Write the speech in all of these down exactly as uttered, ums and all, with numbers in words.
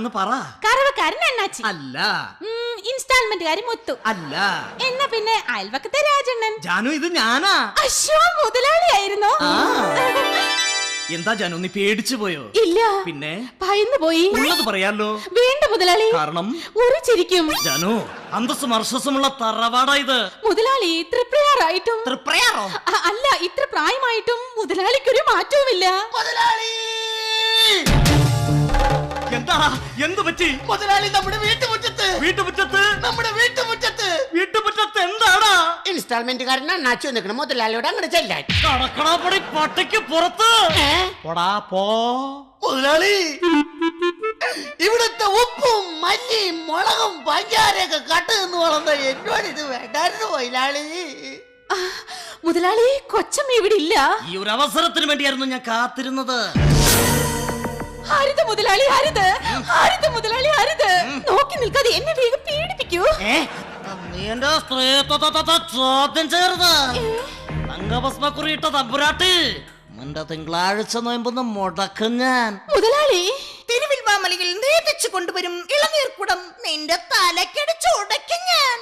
ആരാണെന്ന് പറ. കറവക്കാരൻ അണ്ണാച്ചി അല്ല. ഇൻസ്റ്റാൾമെന്റുകാരി മുത്തു അല്ല. എന്നാ പിന്നെ അയൽവക്കത്തെ രാജണ്ണൻ. ജാനു ഇത് ഞാനാ. അശ്വ മുതലാളിയായിരുന്നോ? എന്താ ജാനു നീ പേടിച്ചു പോയോ? ഇല്ല. പിന്നെ ഭയന്നു പോയി. ഉള്ളത് പറയാലോ. വേണ്ട മുതലാളി. കാരണം ഒരു ചിരിക്കും. ജാനു അന്തസ്സും അർശസ്സുമുള്ള തറവാടാ ഇത്. മുതലാളി ഇത്ര പ്രയാറായിട്ടും. തൃപ്രയാറോ? അല്ല, ഇത്ര പ്രായമായിട്ടും മുതലാളിക്കൊരു മാറ്റവുമില്ല. മുതലാളി എന്താ എന്ത് പറ്റി? മുതലാളി നമ്മുടെ വീട്ടുമുറ്റത്ത് വീട്ടുമുറ്റത്ത് നമ്മുടെ വീട്ടുമുറ്റത്ത് വീട്ടുമുറ്റത്ത് എന്താടാ? ഇൻസ്റ്റാൾമെന്റുകാരൻ അണ്ണാച്ചു നിൽക്കണം. മുതലാളിയോട് അങ്ങോട്ട് ചെല്ലാൻ. കടക്കടാപ്പൊടി പട്ടയ്ക്ക് പുറത്ത് പോടാ പോ. മുതലാളി ഇവിടുത്തെ ഉപ്പും മല്ലിയും മുളകും പഞ്ചാരയൊക്കെ കട്ട് നിന്ന് വളർന്ന എന്നോട് ഇത് വേണ്ടായിരുന്നു മുതലാളി. മുതലാളി കൊച്ചമ്മ ഇവിടെ ഇല്ല. ഈ ഒരു അവസരത്തിന് വേണ്ടിയായിരുന്നു ഞാൻ കാത്തിരുന്നത്. ഹരിത മുതലാളി ഹരിത് ഹരിത മുതലാളി ഹരിത് നോക്കി നിൽക്കാതെ എന്നെ വേഗം പീഡിപ്പിക്കൂ. നീ എന്റെ സ്ത്രീത്വത്തെ ചോദ്യം ചേർന്ന് അംഗഭസ്മക്കുറിയിട്ട തമ്പുരാട്ടി നിന്റെ തിങ്കളാഴ്ച നോയമ്പൊന്ന് മുടക്കും ഞാൻ. മുതലാളി തിരുവിൽ വാമലയിൽ നേതിച്ചു കൊണ്ടുവരും ഇളനീർക്കുടം നിന്റെ തലക്കടിച്ച് ഉടയ്ക്കും ഞാൻ.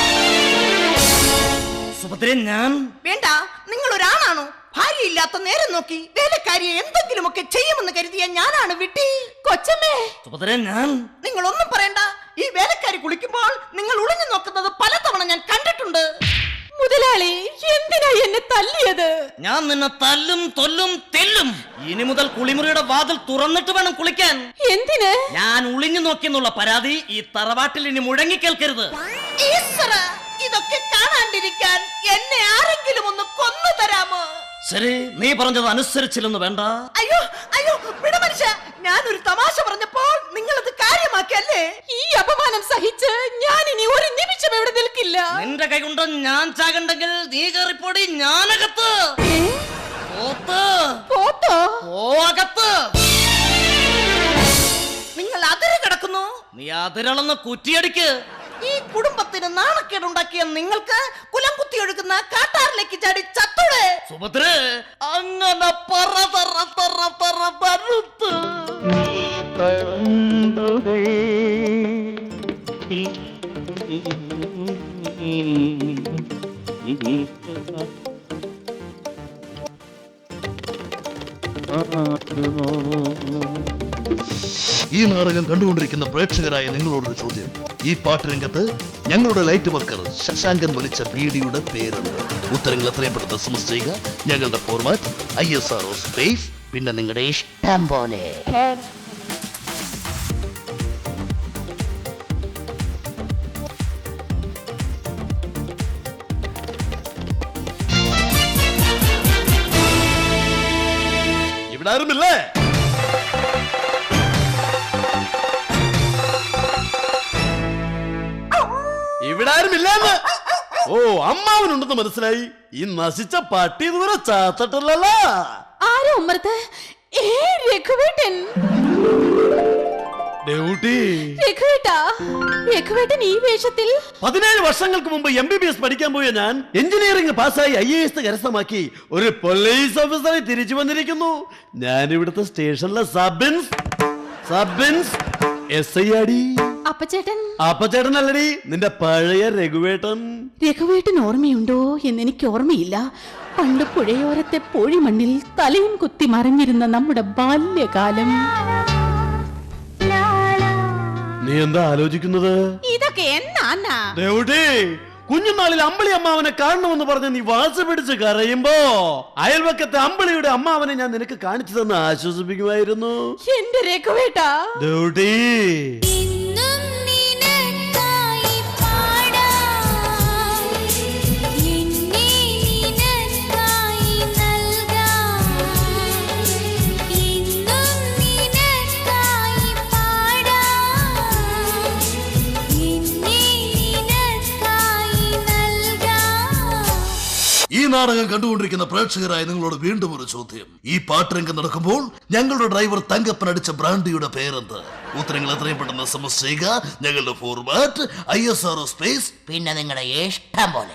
സുഭദ്രൻ ഞാൻ വേണ്ട, നിങ്ങൾ ഒരാണാണോ? ഭാര്യയില്ലാത്ത നേരം നോക്കി വേലക്കാരിയെ എന്തെങ്കിലുമൊക്കെ ചെയ്യുമെന്ന് കരുതിയ ഞാനാണ് വിട്ടി. കൊച്ചമ്മേ. സുഭദ്രൻ ഞാൻ. നിങ്ങൾ ഒന്നും പറയണ്ട. ഈ വേലക്കാരി കുളിക്കുമ്പോൾ നിങ്ങൾ ഒളിഞ്ഞു നോക്കുന്നത് പലതവണ ഞാൻ കണ്ടിട്ടുണ്ട്. മുതലാളി എന്തിനാ എന്നെ തല്ലിയത്? ഞാൻ നിന്നെ തല്ലും കൊല്ലും തെല്ലും. ഇനി മുതൽ കുളിമുറിയുടെ വാതിൽ തുറന്നിട്ട് വേണം കുളിക്കാൻ. എന്തിന്? ഞാൻ ഒളിഞ്ഞു നോക്കിയെന്നുള്ള പരാതി ഈ തറവാട്ടിൽ ഇനി മുഴങ്ങി കേൾക്കരുത്. ഈശ്വരാ, ഇതൊക്കെ കാണാണ്ടിരിക്കാൻ എന്നെ ആരെങ്കിലും ഒന്ന് കൊന്നു തരാമോ? ശരി, നീ പറഞ്ഞത് അനുസരിച്ചില്ലെന്ന് വേണ്ട. അയ്യോ അയ്യോ വിട മനുഷ്യ, ഞാനൊരു തമാശ പറഞ്ഞപ്പോൾ നിങ്ങൾ അത് കാര്യമാക്കിയല്ലേ? ഈ അപമാനം സഹിച്ച് ഞാൻ ഇനി ഒരു നിമിഷം ഇവിടെ നിൽക്കില്ല. നിന്റെ കൈ കൊണ്ട് ഞാൻ ചാകണ്ടെങ്കിൽ നീ കയറിപ്പോടി. ഞാനകത്ത് പോത്ത് പോത്തോ പോകത്ത്. നിങ്ങൾ അതിര് കിടക്കുന്നു. നീ അതിരളന്ന് കുറ്റിയടിക്ക്. ഈ കുടുംബത്തിന് നാണക്കേടുണ്ടാക്കിയ നിങ്ങൾക്ക് കുലം കുത്തി ഒഴുകുന്ന കാട്ടാറിലേക്ക് ചാടി ചത്തൂടെ? സുഭദ്ര അങ്ങനെ പറ പറ പറ പറ പരുത്ത്. ഈ നാടകം കണ്ടുകൊണ്ടിരിക്കുന്ന പ്രേക്ഷകരായ നിങ്ങളോടൊരു ചോദ്യം. ഈ പാട്ടുരംഗത്ത് ഞങ്ങളുടെ ലൈറ്റ് വർക്കർ ശശാങ്കൻ വലിച്ച ബീഡിയുടെ പേരുണ്ട്. ഉത്തരങ്ങൾ എത്രയും പെട്ടെന്ന് എസ് എം എസ് ചെയ്യുക. ഞങ്ങളുടെ format I S R O space പിന്നെ നിങ്ങളുടെ ഇഷ്ടം പോലെ. ഇവിടെ ആരുമില്ലേ? ഇവിടെ ആരുമില്ലെന്ന്. ഓ, അമ്മാവനുണ്ടെന്ന് മനസ്സിലായി. ഈ നശിച്ച പട്ടി ഇതുവരെ ചാത്തട്ടല്ലോ. ആരോ ഉമ്മർത്ത്? ഏ രഘുവേട്ടൻ. രഘുവേട്ടാ, രഘുവേട്ടൻ ഈ വേഷത്തിൽ? പതിനേഴ് വർഷങ്ങൾക്ക് മുമ്പ് എം ബി ബി എസ് പഠിക്കാൻ പോയ ഞാൻ എഞ്ചിനീയറിംഗ് പാസ്സായി ഐ എ എസ് കരസ്ഥമാക്കി ഒരു പോലീസ് ഓഫീസറായി തിരിച്ചു വന്നിരിക്കുന്നു. ഞാൻ ഇവിടുത്തെ സ്റ്റേഷനിലെ സബ് സബ് എസ് ഐ ആടി. അപ്പച്ചേട്ടൻ? അപ്പച്ചേട്ടൻ അല്ലടി, നിന്റെ പഴയ രഘുവേട്ടൻ. രഘുവേട്ടൻ ഓർമ്മയുണ്ടോ എന്നെനിക്ക് ഓർമ്മയില്ല. പണ്ട് പുഴയോരത്തെ പൊഴിമണ്ണിൽ തലയും കുത്തി മറിഞ്ഞിരുന്ന നമ്മുടെ ബാല്യകാലം. നീ എന്താ ആലോചിക്കുന്നത്? ഇതൊക്കെ എന്നാ? കുഞ്ഞുനാളിൽ അമ്പിളി അമ്മാവനെ കാണണമെന്ന് പറഞ്ഞ് നീ വാശി പിടിച്ച് കരയുമ്പോ അയൽവക്കത്തെ അമ്പിളിയുടെ അമ്മാവനെ ഞാൻ നിനക്ക് കാണിച്ചു തന്ന് ആശ്വസിപ്പിക്കുമായിരുന്നു. എന്റെ രഘുവേട്ടാ. ഈ നാടകം കണ്ടുകൊണ്ടിരിക്കുന്ന പ്രേക്ഷകരായ നിങ്ങളോട് വീണ്ടും ഒരു ചോദ്യം. ഈ പാട്ടുരംഗം നടക്കുമ്പോൾ ഞങ്ങളുടെ ഡ്രൈവർ തങ്കപ്പൻ അടിച്ച ബ്രാൻഡിയുടെ പേരെന്ത്? ഉത്തരങ്ങൾ എത്രയും പെട്ടെന്ന് എസ് എം എസ് ചെയ്യുക. ഞങ്ങളുടെ format I S R O space പിന്നെ നിങ്ങളുടെ ഇഷ്ടം പോലെ.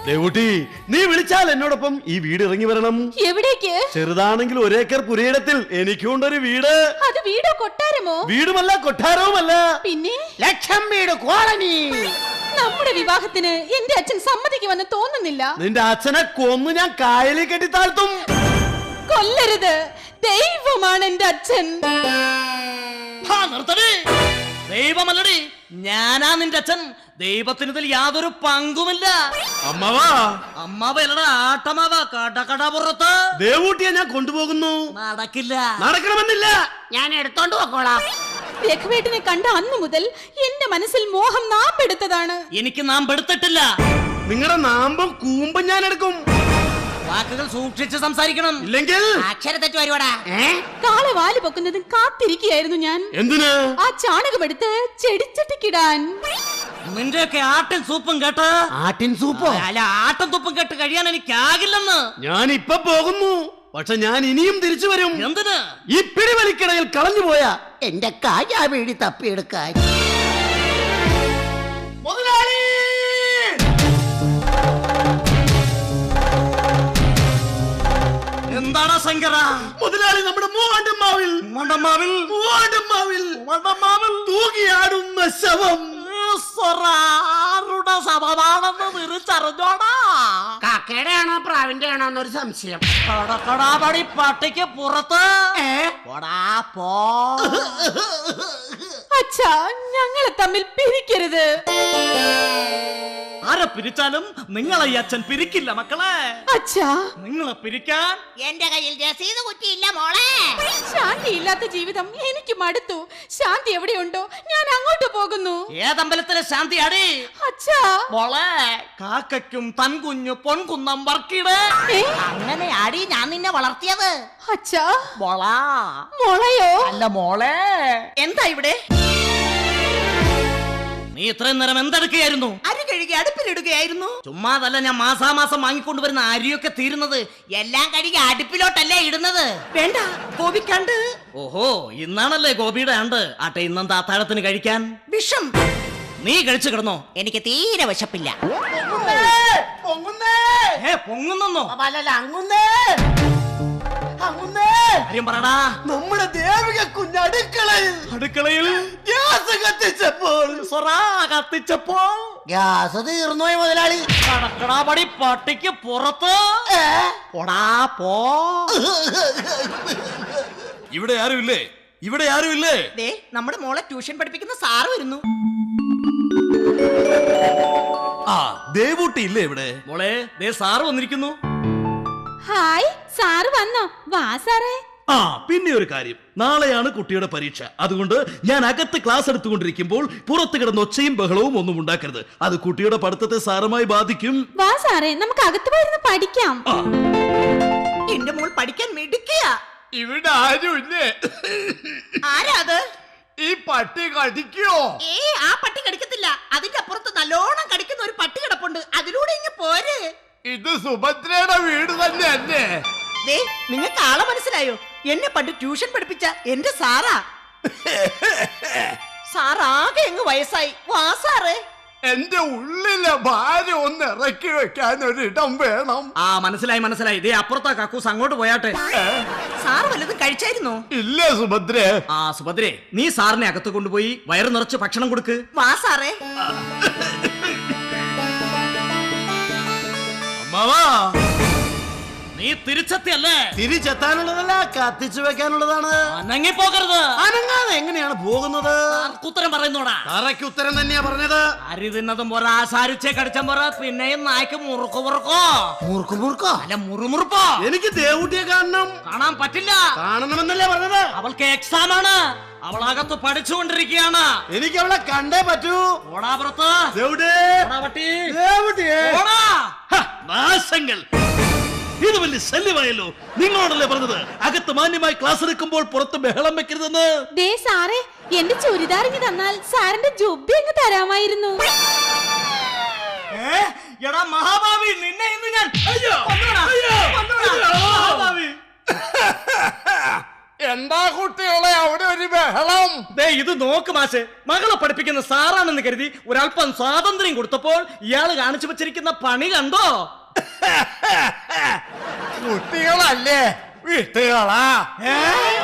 ദേവുട്ടി, നീ വിളിച്ചാൽ എന്നോടൊപ്പം ഈ വീട് ഇറങ്ങി വരണം. എവിടേക്ക്? ചെറുതാണെങ്കിൽ ഒരേക്കർ പുരയിടത്തിൽ എനിക്കുണ്ടൊരു വീട്. അത് വീടോ കൊട്ടാരമോ? വീടുമല്ല കൊട്ടാരവുമല്ല, പിന്നെ ലക്ഷം വീട് കോളനി. നമ്മുടെ വിവാഹത്തിന് എന്റെ അച്ഛൻ സമ്മതിക്കുമെന്ന് തോന്നുന്നില്ല. നിന്റെ അച്ഛനെ കൊന്നു ഞാൻ കായലിൽ കെട്ടി താഴ്ത്തും. കൊല്ലരുത്, ദൈവമാണ് എന്റെ അച്ഛൻ. ഹാ, നിർത്തടി. ദൈവമല്ലടി, ഞാനാ നിന്റെ അച്ഛൻ. ദൈവത്തിന് ഇതിൽ യാതൊരു പങ്കുമില്ല. അമ്മവാ, അമ്മാവല്ലടാ, ആട്ടമാവ. കടകട പുറത്ത് ദേവൂട്ടിയെ ഞാൻ കൊണ്ടുപോകുന്നു. നടക്കില്ല. നടക്കണമെന്നില്ല. ഞാൻ എടുത്തോണ്ട് പോക്കോളാം. രഘുവേട്ടനെ കണ്ട അന്നു മുതൽ എന്റെ മനസ്സിൽ മോഹം നാമ്പെടുത്തതാണ്. എനിക്ക് നാം പെടുത്തിട്ടില്ല. നിങ്ങളുടെ നാമ്പും കൂമ്പും ഞാൻ എടുക്കും. വാക്കുകൾ സൂക്ഷിച്ച് സംസാരിക്കണം. ഇല്ലെങ്കിൽ അക്ഷരത്തെറ്റ് വരുവാടാ. കാളവാല് പൊക്കുന്നതും കാത്തിരിക്കുകയായിരുന്നു ഞാൻ. എന്തിന്? ആ ചാണകമെടുത്ത് ചെടിച്ചട്ടിക്കിടാൻ. നിന്റെയൊക്കെ ആട്ടിൻ സൂപ്പും കേട്ട് ആട്ടിൻ സൂപ്പോ? അല്ല, ആട്ടും തുപ്പും കേട്ട് കഴിയാൻ എനിക്കാകില്ലെന്ന്. ഞാൻ ഇപ്പൊ പോകുന്നു, പക്ഷെ ഞാൻ ഇനിയും തിരിച്ചു വരും. എന്തിന്? ഈ പിടിവലിക്കിടയിൽ കളഞ്ഞു പോയ എന്റെ കായാ വീടി തപ്പിയെടുക്കാൻ. മുതലാളി! എന്താടാ ശങ്കര? മുതലാളി, നമ്മുടെ മൂവാണ്ടമ്മാവിൽ മണ്ടമാവിൽ മൂവാണ്ടമ്മാവിൽ മണ്ടമാവിൽ തൂകിയാടുന്ന ശവം. ആരുടെ ശവമാണെന്ന് തിരിച്ചറിഞ്ഞോടാ? കാക്കയുടെ ആണോ പ്രാവിന്റെ ആണോ എന്നൊരു സംശയം. കടക്കടാപടി പട്ടിക്ക് പുറത്ത് പോടാ, പോ. അച്ഛാ, ഞങ്ങളെ തമ്മിൽ പിരിക്കരുത്. ആരെ പിരിച്ചാലും നിങ്ങളെ ഈ അച്ഛൻ പിരിക്കില്ല മക്കളെ. അച്ഛാ, നിങ്ങളെ പിരിക്കാൻ എന്റെ കയ്യിൽ രസീത് കുറ്റിയില്ല മോളെ. ശാന്തിയില്ലാത്ത ജീവിതം എനിക്ക് മടുത്തു. ശാന്തി എവിടെയുണ്ടോ ഞാൻ അങ്ങോട്ട് പോകുന്നു. ഏതമ്പലത്തിലെ ശാന്തി അടി? അച്ഛാ, മോളെ, കാക്കയ്ക്കും തൻകുഞ്ഞു പൊൻകുന്നം വർക്കിട്. ഏ? അങ്ങനെ അടി ഞാൻ നിന്നെ വളർത്തിയത്. അച്ഛാ, മോളാ. മുളയോ? അല്ല മോളെ. എന്താ ഇവിടെ? നീ ഇത്രയും നേരം എന്തെടുക്കുകയായിരുന്നു? അരി കഴുകി അടുപ്പിലിടുകയായിരുന്നു. ചുമ്മാതല്ല, ഞാൻ മാസാമാസം വാങ്ങിക്കൊണ്ടുവരുന്ന അരിയൊക്കെ തീരുന്നത് എല്ലാം കഴുകി അടുപ്പിലോട്ടല്ലേ ഇടുന്നത്. വേണ്ട, കോപിക്കാണ്ട്. ഓഹോ, ഇന്നാണല്ലേ ഗോപിയുടെ ആണ്ട്. ആട്ടെ, ഇന്നെന്താ അത്താഴത്തിന് കഴിക്കാൻ? വിഷം. നീ കഴിച്ചു കിടന്നോ? എനിക്ക് തീരെ വിശപ്പില്ല. ഏ, പൊങ്ങുന്നോ? അല്ലല്ല, അങ്ങുന്നേ അങ്ങുന്നേ. കാര്യം പറടാ. നമ്മുടെ ദേവിക കുഞ്ഞടുക്കളയിൽ അടുക്കളയിൽ ഗ്യാസ് കത്തിച്ചപ്പോൾ സൊറാ കത്തിച്ചപ്പോ ഗ്യാസ് തീർന്നുപോയി മുതലാളി. കടക്കടാപടി പട്ടിക്ക് പുറത്ത് പോടാ, പോ. ഇവിടെ ആരുമില്ലേ? ഇവിടെ ആരുമില്ലേ? ദേ, നമ്മുടെ മോളെ ട്യൂഷൻ പഠിപ്പിക്കുന്ന സാറ് വരുന്നു. ആ, ദേവൂട്ടി ഇല്ലേ ഇവിടെ? മോളെ, ദേ സാറ് വന്നിരിക്കുന്നു. ഹായ്, സാറ് വന്നോ? വാ സാറേ. ആ, പിന്നെ ഒരു കാര്യം, നാളെയാണ് കുട്ടിയുടെ പരീക്ഷ. അതുകൊണ്ട് ഞാൻ അകത്ത് ക്ലാസ് എടുത്തുകൊണ്ടിരിക്കുമ്പോൾ പുറത്ത് കിടന്ന് ഒച്ചയും ബഹളവും ഒന്നും ഉണ്ടാക്കരുത്. അത് കുട്ടിയുടെ പഠിത്തത്തെ സാരമായി ബാധിക്കും. വാ സാറേ, നമുക്ക് അകത്ത് പോയിരുന്ന് പഠിക്കാം. ആ, എന്റെ മോൾ പഠിക്കാൻ മിടുക്കിയാ. ഇവിടെ ആരുമില്ലേ? ആരാ അത്? ഈ പട്ടി കടിക്കോ? ഏ, ആ പട്ടി കടിക്കത്തില്ല. അതിന്റെ അപ്പുറത്ത് നല്ലോണം കടിക്കുന്ന ഒരു പട്ടി കിടപ്പുണ്ട്. അതിലൂടെ ഇങ്ങ് പോര്. ഇത് സുഭദ്രയുടെ വീട് തന്നെ അല്ലേ? ദേ, നിങ്ങൾക്ക് ആളെ മനസ്സിലായോ? എന്നെ പണ്ട് ട്യൂഷൻ പഠിപ്പിച്ച എന്റെ സാറാ. സാറാകെ എങ്ങ് വയസ്സായി. വാ സാറേ. എന്റെ ഉള്ളിലെ ഭാര്യ ഒന്ന് ഇറക്കി വെക്കാൻ ഒരിടം വേണം. ആ, മനസ്സിലായി മനസ്സിലായി. ദേ അപ്പുറത്താ കക്കൂസ്, അങ്ങോട്ട് പോയാട്ടെ. സാറ് വല്ലതും കഴിച്ചായിരുന്നോ? ഇല്ല സുഭദ്ര. ആ സുഭദ്രേ, നീ സാറിനെ അകത്ത് കൊണ്ടുപോയി വയറ് നിറച്ച് ഭക്ഷണം കൊടുക്ക്. വാ സാറേ. അമ്മാവാ, നീ തിരിച്ചെത്തിയല്ലേ? തിരിച്ചെത്താനുള്ളതല്ല, കത്തിച്ചു വെക്കാനുള്ളതാണ്. അനങ്ങി പോകരുത്. അനങ്ങാതെ എങ്ങനെയാണ് പോകുന്നത്? ഉത്തരം പറയുന്നോടാ. തറയ്ക്ക് ഉത്തരം തന്നെയാ പറഞ്ഞത്. അരി തിന്നതും പോരാ, സാരിച്ചേ കടിച്ചും പോരാ, പിന്നെയും നായ്ക്ക് മുറുക്കു മുറുക്കോ. മുറുക്കു മുറുക്കോ? അല്ല, മുറുമുറുപ്പോ. എനിക്ക് ദേവൂട്ടിയെ കാണണം. കാണാൻ പറ്റില്ല. കാണണമെന്നല്ലേ പറഞ്ഞത്? അവൾക്ക് എക്സാം ആണ്. അവളകത്ത് പഠിച്ചുകൊണ്ടിരിക്കുകയാണ്. എനിക്ക് അവളെ കണ്ടേ പറ്റൂ. ഓടാ പുറത്ത്. ദേവുട്ടി, ഓടാ പട്ടി. ദേവുട്ടിയെ. ഓടാ. ഹ, നാശങ്ങൾ. ഇത് വലിയ ശല്യമായല്ലോ. നിങ്ങളോടല്ലേ പറഞ്ഞത് അകത്ത് മാന്യമായി ക്ലാസ് എടുക്കുമ്പോൾ പുറത്ത് ബഹളം വെക്കരുതെന്ന്? ദേ സാറേ, എന്റെ ചുരിദാർ ഇങ്ങ് തന്നാൽ സാറിന്റെ ജുബ്ബി അങ്ങ് തരാമായിരുന്നു. ഏ, എടാ മഹാഭാവി, നിന്നെ ഇന്ന് ഞാൻ അയ്യോ, കൊന്നുകളാ. അയ്യോ, കൊന്നുകളാ. അയ്യോ. മഹാഭാവി. എന്താ കുട്ടികളെ അവിടെ ഒരു ബഹളം? ദേ ഇത് നോക്ക് മാഷെ, മകളെ പഠിപ്പിക്കുന്ന സാറാണെന്ന് കരുതി ഒരല്പം സ്വാതന്ത്ര്യം കൊടുത്തപ്പോൾ ഇയാള് കാണിച്ചു വെച്ചിരിക്കുന്ന പണി കണ്ടോ? കുട്ടികളല്ലേ വിട്ടുകളാ. ഏ